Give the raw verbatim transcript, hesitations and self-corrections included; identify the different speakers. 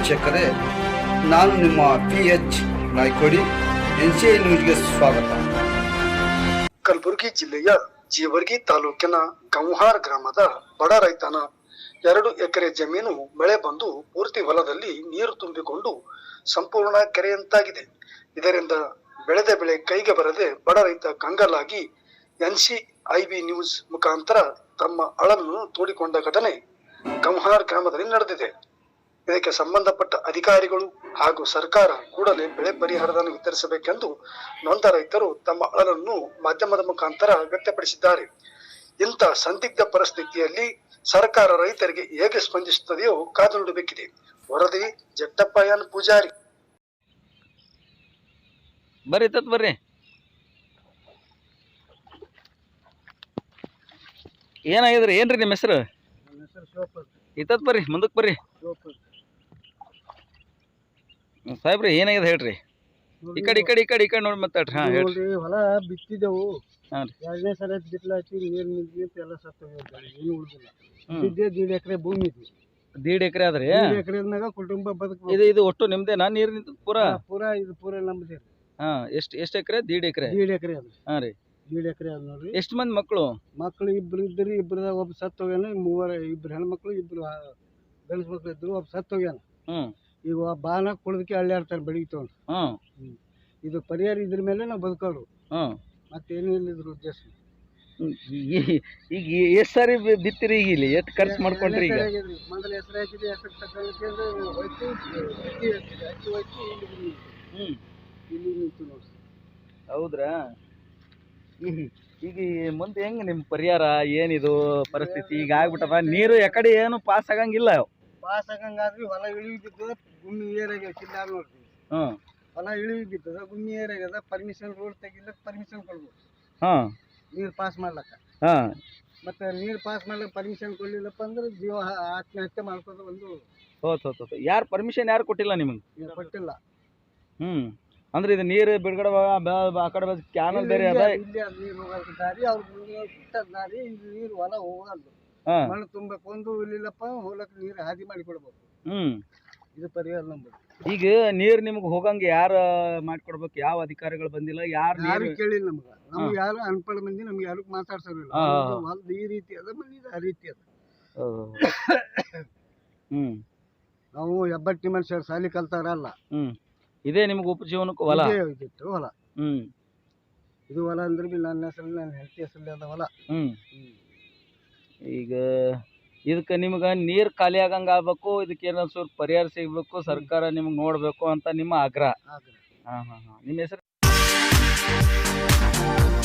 Speaker 1: ವೀಕ್ಷಕರೇ, ನಾನು ನಿಮ್ಮ P H Naykodi, N C I ನ್ಯೂಸ್ಗೆ ಸ್ವಾಗತ.
Speaker 2: ಕಲಬುರಗಿ ಜಿಲ್ಲೆಯ ಜೇವರ್ಗಿ ತಾಲೂಕಿನ ಗಂಹಾರ್ ಗ್ರಾಮದ ಬಡ ರೈತನ ಎರಡು ಎಕರೆ ಜಮೀನು ಮಳೆ ಬಂದು ಪೂರ್ತಿ ಹೊಲದಲ್ಲಿ ನೀರು ತುಂಬಿಕೊಂಡು ಸಂಪೂರ್ಣ ಕೆರೆಯಂತಾಗಿದೆ. ಇದರಿಂದ ಬೆಳೆದ ಬೆಳೆ ಕೈಗೆ ಬರದೆ ಬಡ ರೈತ ಕಂಗಾಲಾಗಿ N C I B news ಮುಖಾಂತರ ತಮ್ಮ ಅಳನ್ನು ತೋಡಿಕೊಂಡ ಘಟನೆ ಗಂಹಾರ್ ಗ್ರಾಮದಲ್ಲಿ ನಡೆದಿದೆ. ಇದಕ್ಕೆ ಸಂಬಂಧಪಟ್ಟ ಅಧಿಕಾರಿಗಳು ಹಾಗೂ ಸರ್ಕಾರ ಕೂಡಲೇ ಬೆಳೆ ಪರಿಹಾರವನ್ನು ವಿತರಿಸಬೇಕೆಂದು ನೊಂದ ರೈತರು ತಮ್ಮ ಅಳಲನ್ನು ಮಾಧ್ಯಮದ ಮುಖಾಂತರ ವ್ಯಕ್ತಪಡಿಸಿದ್ದಾರೆ. ಇಂಥ ಸಂದಿಗ್ಧ ಪರಿಸ್ಥಿತಿಯಲ್ಲಿ ಸರ್ಕಾರ ರೈತರಿಗೆ ಹೇಗೆ ಸ್ಪಂದಿಸುತ್ತದೆಯೋ ಕಾದು ನೋಡಬೇಕಿದೆ. ವರದಿ ಜಟ್ಟಪ್ಪ ಎನ್ ಪೂಜಾರಿ.
Speaker 3: ಬರ್ರಿ ತತ್ ಬರ್ರಿ. ಏನಾಗಿದ್ರಿ? ಏನ್ರಿ ನಿಮ್ಮ ಹೆಸರು? ಇತ್ತತ್ ಬರ್ರಿ, ಮುಂದಕ್ಕೆ ಬರ್ರಿ ಸಾಹೇಬ್ರಿ. ಏನಾಗಿದೆ ಹೇಳ್ರಿ? ಈ ಕಡೆ ಈ ಕಡೆ ಈ ಕಡೆ ಈ ಕಡೆ ನೋಡಿ ಮಾತಾಡ್ರಿ. ಹಾ ಹೇಳ್ರಿ.
Speaker 2: ಹೊಲ ಬಿತ್ತಿದೆವು,
Speaker 3: ಹಾಂ ರೀ.
Speaker 2: ಎರಡನೇ ಸಲ ಬಿತ್ತಲಾಯ್ತು, ನೀರು ನಿಂತು ಎಲ್ಲ ಸತ್ತ ಏನು ಉಳಿದಿಲ್ಲ. ಬಿದ್ದೆ ದೀಡ್ ಎಕರೆ ಭೂಮಿ ಇದೆ.
Speaker 3: ದೀಡ್ ಎಕರೆ ಆದ್ರಿ?
Speaker 2: ಎಕರೆ ಕುಟುಂಬ ಬದುಕು.
Speaker 3: ಇದು ಇದು ಒಟ್ಟು ನಿಮ್ದೇನಾ? ನೀರು ನಿಂತ ಪೂರಾ
Speaker 2: ಪೂರಾ ಇದು ಪೂರಾ ನಮ್ಮದೇ.
Speaker 3: ಹಾ. ಎಷ್ಟು ಎಷ್ಟು ಎಕರೆ? ದೀಡ್ ಎಕರೆ.
Speaker 2: ದೀಡ್ ಎಕರೆ ಅದ.
Speaker 3: ಹಾಂ ರೀ.
Speaker 2: ದೀಡ್ ಎಕರೆ ಅದ ನೋಡ್ರಿ.
Speaker 3: ಎಷ್ಟು ಮಂದಿ ಮಕ್ಕಳು?
Speaker 2: ಮಕ್ಕಳು ಇಬ್ರು ಇದ್ರಿ, ಇಬ್ರದ ಒಬ್ಬ ಸತ್ತು ಹೋಗ್ಯಾನ. ಮೂವರ ಇಬ್ರು ಹೆಣ್ಮಕ್ಳು, ಇಬ್ರು ಗಂಡಸ ಮಕ್ಳು ಇದ್ರು, ಒಬ್ಬ ಸತ್ತು ಹೋಗ್ಯಾನ.
Speaker 3: ಹ್ಮ್.
Speaker 2: ಈಗ ಬಾನ ಕುಳದಕ್ಕೆ ಅಳ್ಳಾಡ್ತಾರೆ ಬೆಳಿಗ್ಗೆ ತಗೊಂಡು.
Speaker 3: ಹ್ಮ್.
Speaker 2: ಇದು ಪರಿಹಾರ ಇದ್ರ ಮೇಲೆ ನಾವು ಬದುಕೋರು,
Speaker 3: ಹ್ಮ್.
Speaker 2: ಮತ್ತೇನು ಇಲ್ಲ ಇದ್ರ ಉದ್ದೇಶ.
Speaker 3: ಈಗ ಎಷ್ಟು ಸಾರಿ ಬಿತ್ತಿರಿ? ಈಗ ಇಲ್ಲಿ ಎಷ್ಟು ಖರ್ಚು ಮಾಡ್ಕೊಂಡ್ರಿ? ಈಗ
Speaker 2: ಮೊದಲು ಹೆಸರು ಹಾಕಿದೆ, ಹೆಸರು ತಗೊಂಡು ಹೋಯ್ತು, ಅಕ್ಕಿ ಹಾಕಿದೆ, ಅಕ್ಕಿ ಹೋಯ್ತು, ಇಲ್ಲಿ ಬಂದು
Speaker 3: ಹ್ಮ್
Speaker 2: ಇಲ್ಲಿ ನಿಂತು ನೋಡ್ರಿ.
Speaker 3: ಹೌದ್ರಾ? ಈಗ ಮುಂದೆ ಹೆಂಗ್ ನಿಮ್ ಪರಿಹಾರ? ಏನಿದು ಪರಿಸ್ಥಿತಿ? ಈಗ ಆಗ್ಬಿಟ್ಟದ ನೀರು ಎಕಡೆ ಏನು ಪಾಸ್ ಆಗಂಗಿಲ್ಲ.
Speaker 2: ಪಾಸ್ ಆಗಂಗಾದ್ರಿ ಹೊಲ ಇಳಿವಿ ಬಿದ್ದದ, ಗುಮ್ಮಿ ಏರಾಗ್ಯದ. ಕಿಲ್ಲ ನೋಡ್ರಿ,
Speaker 3: ಹ್ಮ್.
Speaker 2: ಹೊಲ ಇಳಿವಿ ಬಿದ್ದದ, ಗುಮ್ಮಿ ಏರಾಗ್ಯದ. ಪರ್ಮಿಷನ್ ರೋಡ್ ತೆಗಿಲಕ್ ಪರ್ಮಿಷನ್ ಕೊಡ್ಬೇಕು,
Speaker 3: ಹಾ,
Speaker 2: ನೀರು ಪಾಸ್ ಮಾಡ್ಲಕ್ಕ.
Speaker 3: ಹಾ.
Speaker 2: ಮತ್ತೆ ನೀರು ಪಾಸ್ ಮಾಡ್ಲಕ್ಕ ಪರ್ಮಿಷನ್ ಕೊಡ್ಲಿಲ್ಲಪ್ಪ ಅಂದ್ರೆ ಜೀವ ಆತ್ಮಹತ್ಯೆ ಮಾಡ್ಕೋದು ಒಂದು.
Speaker 3: ಹೋತ್ ಹೋತ್ ಹೋತ್ ಯಾರು ಪರ್ಮಿಷನ್ ಯಾರು ಕೊಟ್ಟಿಲ್ಲ ನಿಮಗೆ?
Speaker 2: ಕೊಟ್ಟಿಲ್ಲ.
Speaker 3: ಹ್ಮ್. ಅಂದ್ರೆ ಇದು ನೀರು ಬಿಡುಗಡೆ ಆ ಕಡೆ ಕ್ಯಾನಲ್ ಬೇರೆ ಅದ,
Speaker 2: ಇಲ್ಲಿ ಅದು ನೀರು ಹೋಗೋದಕ್ಕೆ ದಾರಿ, ಅವ್ರ ಬಿಟ್ಟದ ದಾರಿ. ಇದು ನೀರು ಹೊಲ ಹೋಗಲ್ದು, ಮಣ್ಣು ತುಂಬಬೇಕು. ಒಂದು ಇಲ್ಲಿಲ್ಲಪ್ಪ ಹೋಗ್ಲಕ್ಕ ನೀರು ಹಾದಿ ಮಾಡಿ ಕೊಡ್ಬೇಕು.
Speaker 3: ಹ್ಮ್.
Speaker 2: ಇದು ಪರಿಹಾರ ನಂಬುದು.
Speaker 3: ಈಗ ನೀರು ನಿಮ್ಗೆ ಹೋಗಂಗ ಯಾರ ಮಾಡ್ಕೊಡ್ಬೇಕು? ಯಾವ ಅಧಿಕಾರಿಗಳು ಬಂದಿಲ್ಲ? ಯಾರು
Speaker 2: ಯಾರು ಕೇಳಿಲ್ಲ ನಮ್ಗೆ. ನಮ್ಗೆ ಯಾರು ಅನ್ಪಡ ಮಂದಿ ನಮ್ಗೆ ಯಾರು ಮಾತಾಡ್ಸೋರಿಲ್ಲ. ಹೊಲ್ದು ಈ ರೀತಿ ಅದ, ಮನೆ ಆ ರೀತಿ ಅದ.
Speaker 3: ಹ್ಮ್.
Speaker 2: ನಾವು ಹೆಬ್ಬಟ್ಟಿ ಮನುಷ್ಯರು, ಸಾಲಿ ಕಲ್ತಾರಲ್ಲ.
Speaker 3: ಹ್ಮ್. ಇದೇ ನಿಮ್ಗೆ ಉಪಜೀವನಕ್ಕೂ ಹೊಲ
Speaker 2: ಇದ್ದಿತ್ತು ಹೊಲ.
Speaker 3: ಹ್ಮ್.
Speaker 2: ಇದು ಹೊಲ ಅಂದ್ರೆ ಬಿ ನನ್ನ ಹೆಸರು, ನನ್ನ ಹೆಂಡತಿ ಹೆಸರಲ್ಲಿ ಅದ ಹೊಲ.
Speaker 3: ಹ್ಮ್. ಈಗ ಇದಕ್ಕೆ ನಿಮ್ಗೆ ನೀರು ಖಾಲಿ ಆಗಂಗ ಆಗ್ಬೇಕು, ಇದಕ್ಕೆ ಏನೋ ಸ್ವಲ್ಪ ಪರಿಹಾರ ಸಿಗ್ಬೇಕು, ಸರ್ಕಾರ ನಿಮ್ಗೆ ನೋಡ್ಬೇಕು ಅಂತ ನಿಮ್ಮ ಆಗ್ರಹ. ಹಾ ಹಾ ಹಾ. ನಿಮ್ಮ ಹೆಸರು?